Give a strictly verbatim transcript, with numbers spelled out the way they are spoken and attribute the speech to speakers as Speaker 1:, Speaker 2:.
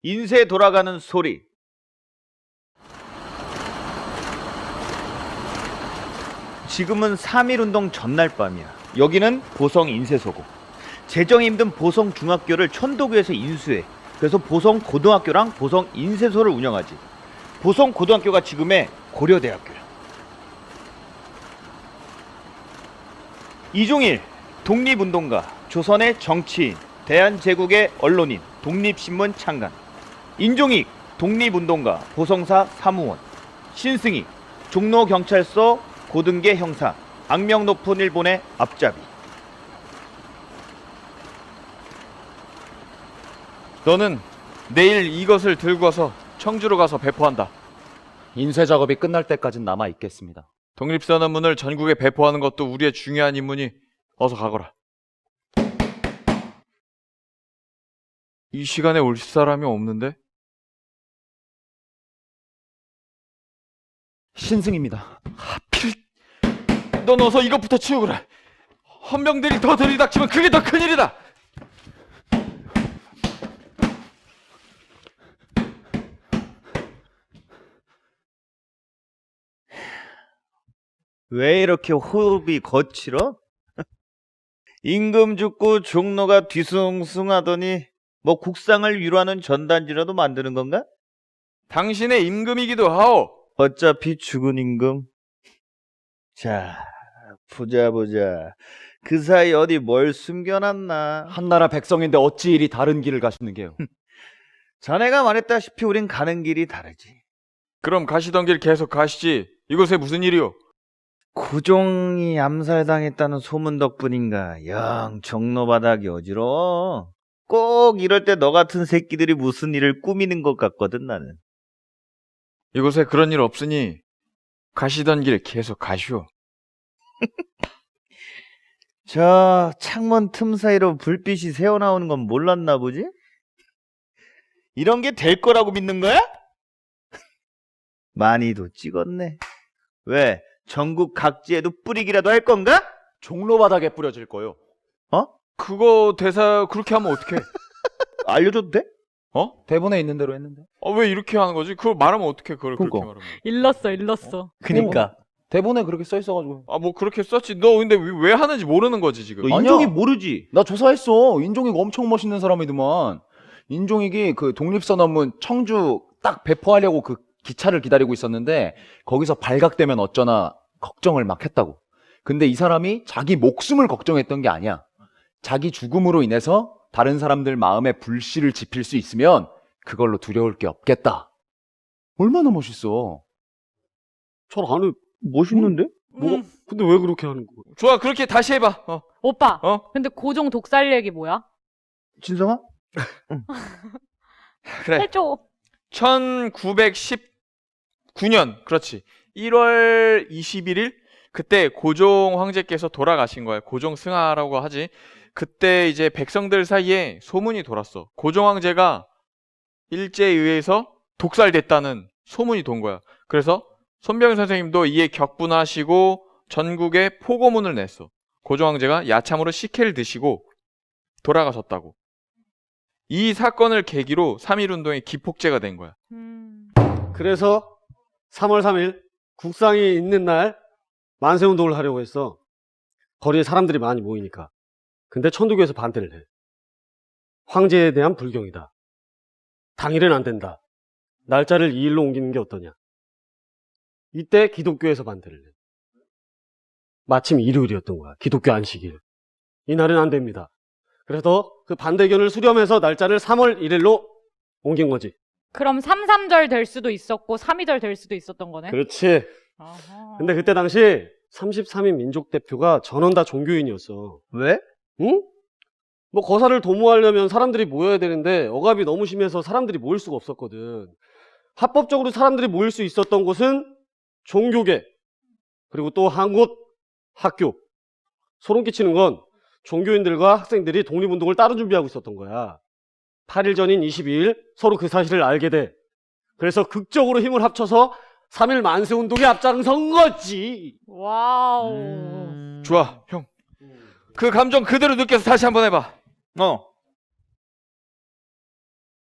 Speaker 1: 인쇄 돌아가는 소리. 지금은 삼일운동 전날 밤이야. 여기는 보성 인쇄소고, 재정이 힘든 보성 중학교를 천도교에서 인수해. 그래서 보성 고등학교랑 보성 인쇄소를 운영하지. 보성 고등학교가 지금의 고려대학교야. 이종일, 독립운동가, 조선의 정치인, 대한제국의 언론인, 독립신문 창간. 인종익, 독립운동가, 보성사 사무원. 신승희, 종로경찰서 고등계 형사, 악명 높은 일본의 앞잡이.
Speaker 2: 너는 내일 이것을 들고서 청주로 가서 배포한다.
Speaker 3: 인쇄 작업이 끝날 때까진 남아 있겠습니다.
Speaker 2: 독립선언문을 전국에 배포하는 것도 우리의 중요한 임무니 어서 가거라. 이 시간에 올 사람이 없는데?
Speaker 3: 신승입니다.
Speaker 2: 하필 넌 어서 이것부터 치우거라. 헌병들이 더 들이닥치면 그게 더 큰일이다.
Speaker 1: 왜 이렇게 호흡이 거칠어? 임금 죽고 종로가 뒤숭숭하더니 뭐 국상을 위로하는 전단지라도 만드는 건가?
Speaker 2: 당신의 임금이기도 하오.
Speaker 1: 어차피 죽은 임금. 자, 보자 보자. 그 사이 어디 뭘 숨겨놨나?
Speaker 3: 한나라 백성인데 어찌 이리 다른 길을 가시는 게요?
Speaker 1: 자네가 말했다시피 우린 가는 길이 다르지.
Speaker 2: 그럼 가시던 길 계속 가시지. 이곳에 무슨 일이오?
Speaker 1: 고종이 암살당했다는 소문 덕분인가 영 종로 바닥이 어지러워. 꼭 이럴 때 너 같은 새끼들이 무슨 일을 꾸미는 것 같거든 나는.
Speaker 2: 이곳에 그런 일 없으니 가시던 길 계속 가시오.
Speaker 1: 저 창문 틈 사이로 불빛이 새어나오는 건 몰랐나 보지? 이런 게 될 거라고 믿는 거야? 많이도 찍었네. 왜? 전국 각지에도 뿌리기라도 할 건가?
Speaker 3: 종로 바닥에 뿌려질 거요.
Speaker 1: 어?
Speaker 2: 그거 대사 그렇게 하면 어떡해?
Speaker 1: 알려줘도 돼?
Speaker 2: 어?
Speaker 3: 대본에 있는 대로 했는데.
Speaker 2: 어, 왜 이렇게 하는 거지? 그걸 말하면 어떡해? 그걸 그렇게
Speaker 1: 그거.
Speaker 2: 말하면.
Speaker 4: 일렀어, 일렀어.
Speaker 1: 그니까.
Speaker 3: 대본에 그렇게 써 있어가지고.
Speaker 2: 아, 뭐 그렇게 썼지. 너 근데 왜, 왜 하는지 모르는 거지 지금.
Speaker 1: 너
Speaker 3: 아니야.
Speaker 1: 인종이 모르지?
Speaker 3: 나 조사했어. 인종익 엄청 멋있는 사람이더만. 인종익이 그 독립선언문 청주 딱 배포하려고 그 기차를 기다리고 있었는데 거기서 발각되면 어쩌나 걱정을 막 했다고. 근데 이 사람이 자기 목숨을 걱정했던 게 아니야. 자기 죽음으로 인해서 다른 사람들 마음에 불씨를 지필 수 있으면 그걸로 두려울 게 없겠다. 얼마나 멋있어.
Speaker 5: 잘 안 해.
Speaker 1: 멋있는데?
Speaker 5: 뭐가?
Speaker 4: 음.
Speaker 5: 근데 왜 그렇게 하는 거야?
Speaker 2: 좋아, 그렇게 다시 해봐. 어,
Speaker 4: 오빠,
Speaker 2: 어?
Speaker 4: 근데 고종 독살 얘기 뭐야?
Speaker 1: 진성아?
Speaker 2: 그래.
Speaker 4: 해줘.
Speaker 2: 천구백십구 년, 그렇지. 일월 이십일일 그때 고종 황제께서 돌아가신 거야. 고종 승하라고 하지. 그때 이제 백성들 사이에 소문이 돌았어. 고종 황제가 일제에 의해서 독살됐다는 소문이 돈 거야. 그래서 손병희 선생님도 이에 격분하시고 전국에 포고문을 냈어. 고종 황제가 야참으로 식혜를 드시고 돌아가셨다고. 이 사건을 계기로 삼일운동의 기폭제가 된 거야.
Speaker 4: 음.
Speaker 5: 그래서 삼월 삼일 국상이 있는 날 만세운동을 하려고 했어. 거리에 사람들이 많이 모이니까. 근데 천도교에서 반대를 해. 황제에 대한 불경이다. 당일은 안 된다. 날짜를 이 일로 옮기는 게 어떠냐. 이때 기독교에서 반대를 해. 마침 일요일이었던 거야. 기독교 안식일. 이날은 안 됩니다. 그래서 그 반대 의견을 수렴해서 날짜를 삼월 일일로 옮긴 거지.
Speaker 4: 그럼 삼삼절 될 수도 있었고 삼이절 될 수도 있었던 거네?
Speaker 5: 그렇지.
Speaker 4: 아하.
Speaker 5: 근데 그때 당시 삼십삼 인 민족 대표가 전원 다 종교인이었어.
Speaker 1: 왜?
Speaker 5: 응? 뭐 거사를 도모하려면 사람들이 모여야 되는데 억압이 너무 심해서 사람들이 모일 수가 없었거든. 합법적으로 사람들이 모일 수 있었던 곳은 종교계, 그리고 또 한 곳 학교. 소름 끼치는 건 종교인들과 학생들이 독립운동을 따로 준비하고 있었던 거야. 팔 일 전인 이십이일 서로 그 사실을 알게 돼. 그래서 극적으로 힘을 합쳐서 삼일 만세운동에 앞장선 거지.
Speaker 4: 와우.
Speaker 1: 음...
Speaker 2: 좋아, 형. 그 감정 그대로 느껴서 다시 한번 해봐.
Speaker 1: 어.